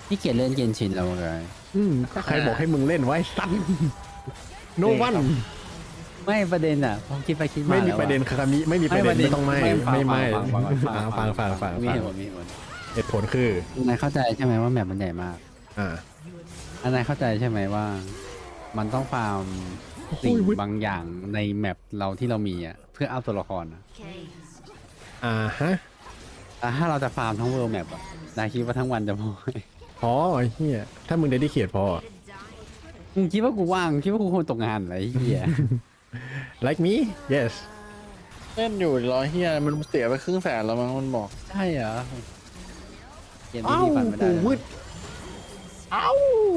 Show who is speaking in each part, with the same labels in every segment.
Speaker 1: พี่เกียรเล่นเกนชินแล้วไง
Speaker 2: ใครบอกให้มึงเล่นไว้สัตว์โนวัน
Speaker 1: ไม่ประเด็นอ่ะผมคิดไปคิดมา
Speaker 2: ไม่มี
Speaker 1: แล้ว
Speaker 2: ประเด็นคามิไม่มีประเด็นไม่ต้องไม่ฟัง
Speaker 1: มีเหตุผลมีเหตุผล
Speaker 2: เหตุผลคือน
Speaker 1: ายเข้าใจใช่ไหมว่าแมปมันใหญ่มาก
Speaker 2: อ่า
Speaker 1: นายเข้าใจใช่ไหมว่า มันต้องฟาร์มสิ่งบางอย่างในแมปเราที่เรามีอ่ะเพื่อเอาตัวละครอ่ะ
Speaker 2: ฮะ
Speaker 1: แต่ถ้าเราจะฟาร์มทั้งเวิร์ลแมปอ่ะนายคิดว่าทั้งวันจะพอไหม
Speaker 2: พอไอ้เหี้ยถ้ามึงได้เขียนพอ
Speaker 1: มึงคิดว่ากูว่างคิดว่ากูคงตกงานอะไรเหี้ย
Speaker 2: like me yes
Speaker 3: เล่นอยู่รอเฮียมันเสียไป100,000แล้วมั้งมันบอก
Speaker 1: ใช่เหรอเกมที่พี่ฝันไม่ได้
Speaker 2: วืด
Speaker 3: เอ้า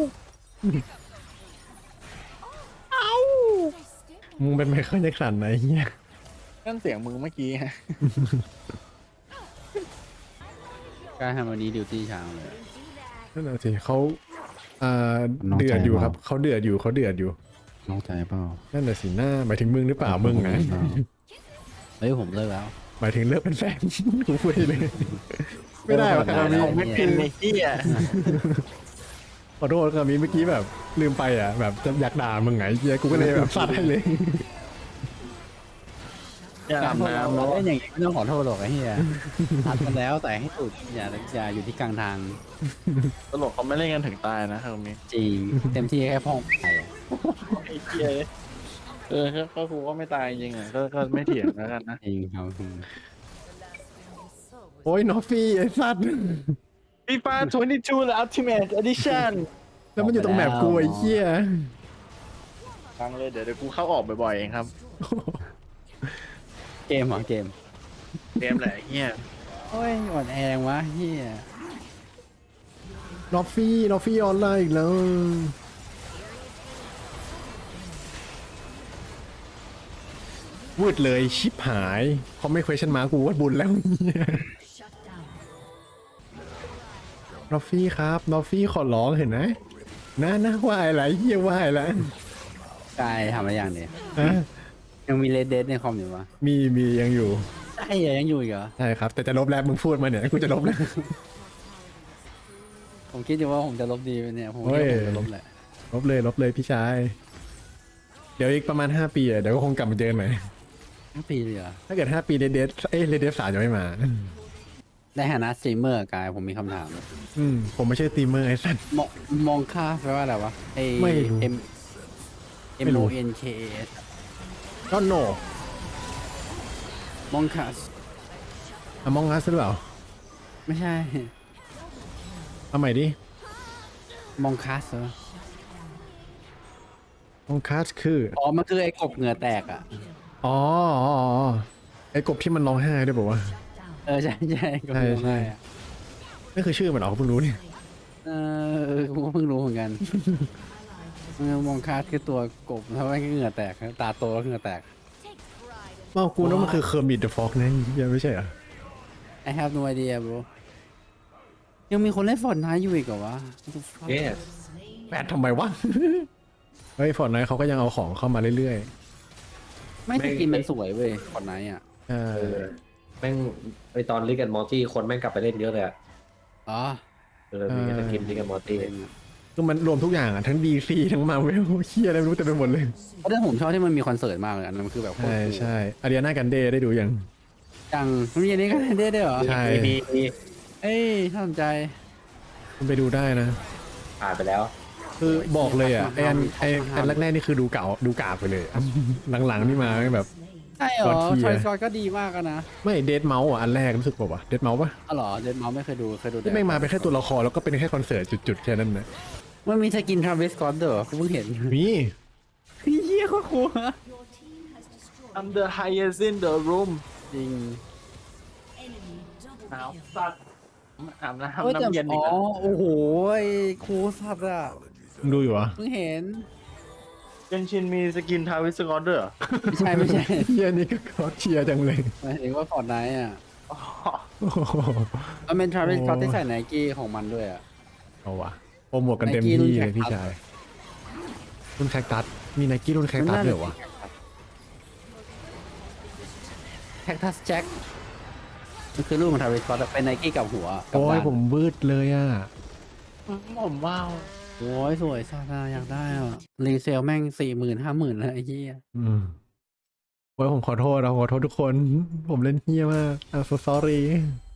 Speaker 2: มึงเป็นไมเคิลแจ็คสันไหนเหี้ย
Speaker 3: นั่นเสียงมึงเมื่อกี้ฮะ
Speaker 1: การทำวันนี้ดิวตี้ช้างเลย
Speaker 2: นั่นน่ะสิเขา
Speaker 1: น้องใจ
Speaker 2: เดือดอยู่
Speaker 1: เปล่า
Speaker 2: ครับเขาเดือดอยู่
Speaker 1: น้องใจเปล่า
Speaker 2: นั่นน่ะสิหน้าหมายถึงมึงหรือเปล่ามึงนะ
Speaker 1: เฮ้ยผมเลิกแล้ว
Speaker 2: หมายถึงเลิกเป็นแฟน กูพูดได้เลย ไม่ได้ว่ะคามิ
Speaker 3: ผมไม่เป็นไอ้เฮีย
Speaker 2: ขอโทษคามิเมื่อกี้แบบลืมไปอ่ะแบบจะอยากด่ามึงไงเหี้ยกูก็เลยแบบซัดให้เลย
Speaker 3: อย่าอาบน้ำ
Speaker 1: เรา
Speaker 3: เนาะ
Speaker 1: เล่นอย่างงี้ไม่ต้องขอโทษหรอกไอ้เหี้ยตัดกันแล้วแต่ให้สุดอย่าอยู่ที่กลางทาง
Speaker 3: ตลกเขาไม่เล่นกันถึงตายนะตรงนี้
Speaker 1: จริงเต็มที่แค่พ่องไป
Speaker 3: ไอ้เฮียก็ครูก็ไม่ตายจริงอ่ะก็ไม่เถียงแล้วกันนะ
Speaker 1: จริงครับ
Speaker 2: โอ้ยนอฟฟี่ไอ้สัตว์
Speaker 3: FIFA 22 The Ultimate Edition
Speaker 2: แล้วมันอยู่ตรงแมปกูไอ้เหี้ย
Speaker 3: ฟังเลยเดี๋ยวกูเข้าออกบ่อยๆเองครับ
Speaker 1: เกมเหรอเกม
Speaker 3: เกมแหละไอ้เฮีย
Speaker 1: โอ้ยอ่อนแองวะเหี้ย
Speaker 2: นอฟฟี่ออนไลน์อีกแล้ววืดเลยชิปหายเขาไม่ question mark กูว่าบุญแล้วเนี่ยนอฟฟี่ครับนอฟฟี่ขอร้องเห็นไหมนะว่าอะไรเฮียว่าอะไร
Speaker 1: กายทำอะไรอย่างเดียว
Speaker 2: ฮะ
Speaker 1: ยังมีเลดเดในคอมอยู่ปะ
Speaker 2: มียังอยู่
Speaker 1: ใช่เหรอยังอยู่อีกเหรอ
Speaker 2: ใช่ครับ แต่จะลบแล้วมึงพูดมาเนี่ยกูจะลบแล้ว
Speaker 1: ผมคิดอยู่ว่าผมจะลบดีไปเนี่ยผม
Speaker 2: เฮ้
Speaker 1: คิด
Speaker 2: ย
Speaker 1: ว่าผมจะลบแหละ
Speaker 2: ลบเลยพี่ชาย เดี๋ยวอีกประมาณ5 ปีอ่ะเดี๋ยวก็คงกลับมาเจอกันใหม่
Speaker 1: ทั้งปีเลยเหรอ
Speaker 2: ถ้าเกิด5 ปีเรดเดฟ3จะไม่มา
Speaker 1: ในฐานะสตรีมเมอร์กายผมมีคำถาม
Speaker 2: ผมไม่ใช่สตรีมเมอร์ไอ้สัตว์
Speaker 1: มองค่าแปลว่าอะไรวะไอ
Speaker 2: ไม่รู้
Speaker 1: M
Speaker 2: ไม่รู้
Speaker 1: O N K A S
Speaker 2: ก็โน
Speaker 1: มองค่า
Speaker 2: มองงัสหรือเปล่า
Speaker 1: ไม่ใช่
Speaker 2: เอาใหม่ดิ
Speaker 1: มองคัสเหรอ
Speaker 2: มองคัสคือ
Speaker 1: อ๋อมันคือไอ้กบเหงื่อแตกอ่ะ
Speaker 2: อ๋อไอ้กบที่มันร้องไห้ด้วยบอกว่าว
Speaker 1: ใช่กบ
Speaker 2: ใช่
Speaker 1: ร้องไห้อะ
Speaker 2: ะนั่นคือชื่อมันเหรอเพิ่งรู้เนี่ย
Speaker 1: ผมก็เพิ่งรู้เหมือนกันมองคัสคือตัวกบแล้วมันก็เหงื่อแตกตาโตแล้วเหงื่อแตก
Speaker 2: ว่ากูนึกว่ามันคือเคอร์มิดเดอะฟ็อกนะยังไม่ใช่เหรอ
Speaker 1: I have no idea bro ยังมีคนเล่นฟอร์ดไนท์อยู่อีกเหรอวะ What the fuck?
Speaker 2: แปดทำไมวะ เฮ้ยฟอร์ดไนท์เขาก็ยังเอาของเข้ามาเรื่อย
Speaker 1: ไม่สกินมันสวยเว้ยฟอร์ดไนท์อ่ะ
Speaker 2: ๆ
Speaker 4: แม่งไอตอนลิกแอนมอร์ตี้คนแม่งกลับไปเล่นเยอะเลยอะ
Speaker 1: อ๋อ
Speaker 4: มีสกินลิกแอนมอร์ตี้
Speaker 2: คือมันรวมทุกอย่างอ่ะทั้ง DC ทั้งมาเวลเฮียอะไรไม่รู้เต็มไปหมดเลย
Speaker 1: เพราะฉะนั้นผมชอบที่มันมีคอนเสิร์ตมากเลยอันนั้นมันคือแบบโคตร
Speaker 2: ใช่
Speaker 1: คูล
Speaker 2: ใช่อาริอานากันเดได้ดูยัง
Speaker 1: จังมันมีอันนี้กันได้ด้วยเหรอ
Speaker 2: ใช่
Speaker 4: มี
Speaker 1: เอ้ยน่าสนใจ
Speaker 2: คุณไปดูได้นะ
Speaker 4: ผ่านไปแล้ว
Speaker 2: คือบอกเลยอ่ะไอ้อันแรกๆนี่คือดูเก่าดูกากไปเลย หลังๆนี่มาแบบ
Speaker 1: ใช่เหรอ
Speaker 2: God tier
Speaker 1: ทอยสกอตก็ดีมากอะนะ
Speaker 2: ไม่เดดเมาส์อ่ะอันแรกรู้สึกป่าวะเดดเมาส์ปะ
Speaker 1: อ๋อเหรอเดนเมาส์ไม่เคยดูแต่
Speaker 2: ที่ไม่งมาเป็นแค่ตัวละครแล้วก็เป็นแค่คอนเสิร์ตจุดๆแค่นั้นนะ
Speaker 1: มันมีสกินทราวิสสก็อตเด้อกูเพิ่งเห็น
Speaker 2: มี
Speaker 1: เฮียโคตรคูลอะ
Speaker 3: I'm the highest in the room
Speaker 1: จริง
Speaker 3: หนาวสัตว์อาบ
Speaker 1: เอ้ย
Speaker 3: น้ำ
Speaker 1: แต่
Speaker 3: น้ำเย็นอี
Speaker 1: อ๋
Speaker 3: ก
Speaker 1: อ
Speaker 3: แล้ว
Speaker 1: โอ้โหคูลสัตว์อะ
Speaker 2: มึงดูอยู่เหรอ
Speaker 1: เพิ่งเห็น
Speaker 3: เกนชินมีสกินทาวิสกอร์เดอร์
Speaker 1: ไม่ใช่
Speaker 2: เฮียนี่ก็ขอเชียร์จังเลย
Speaker 1: หมายถึงว่าฟอร์ดไนท์อะ
Speaker 2: โอ้โห
Speaker 1: มันเป็นทราวิสสก็อต
Speaker 2: โอ้
Speaker 1: ที่ใส่ไนกี้ของมันด้วยอะ
Speaker 2: เอาวะโปรโมทกันเต็มที่เลยพี่ชายรุ่นแคคตัสมีไนกี้รุ่นแคคตัสด้วยเหรอวะ
Speaker 1: แคคตัสแจ็คมันคือรูปของทราวิสสก็อตเป็นไนกี้กับหัวกับ
Speaker 2: โอ้ย
Speaker 1: ด้าน
Speaker 2: ผมวืดเลยอ่ะ
Speaker 3: ผมว้าว
Speaker 1: โอ้ยสวยซาดาอยากได้อ่ะรีเซลแม่ง40,000 50,000แล้วไอ้เหี้ย
Speaker 2: อืมโอ้ยผมขอโทษนะขอโทษทุกคน ผมเล่นเฮี้ยมาก I'm so sorry